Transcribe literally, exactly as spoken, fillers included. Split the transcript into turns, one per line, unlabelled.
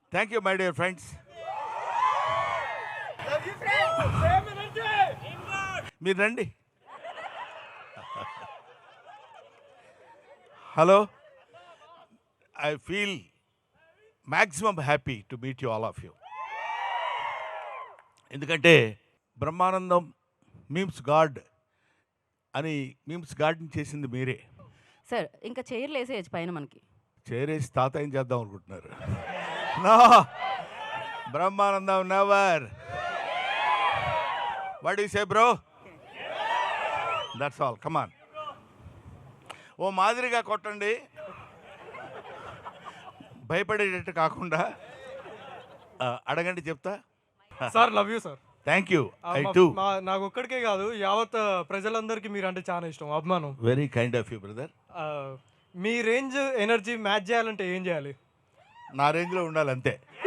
Thank you my dear friends. మీరు రండి. Hello, I feel maximum happy to meet you all of you. ఎందుకంటే Brahmanandam memes god అని memes గాడ్ని చేసింది మీరే.
సార్ ఇంకా చైర్లు వేసేయచ్చు పైన మనకి.
చేరేసి తాత ఏం చేద్దాం అనుకుంటున్నారు? No, Brahmanandam never. What you say bro? That's all, come on. ఓ మాదిరిగా కొట్టండి, భయపడేటట్టు కాకుండా. ఆ, అడగండి చెప్తా.
Sir love you sir.
Thank you.
ఆ,
ఐ
మా-
టూ.
మా- నాకు ఒక్కడికే కాదు, యావత్ ప్రజలందరికీ మీరు అంటే చాలా ఇష్టం, అభిమానం.
Very kind of you brother.
ఆ, మీ రేంజ్ ఎనర్జీ మ్యాచ్ చేయాలంటే ఏం చేయాలి?
నా రేంజ్లో ఉండాలి అంతే.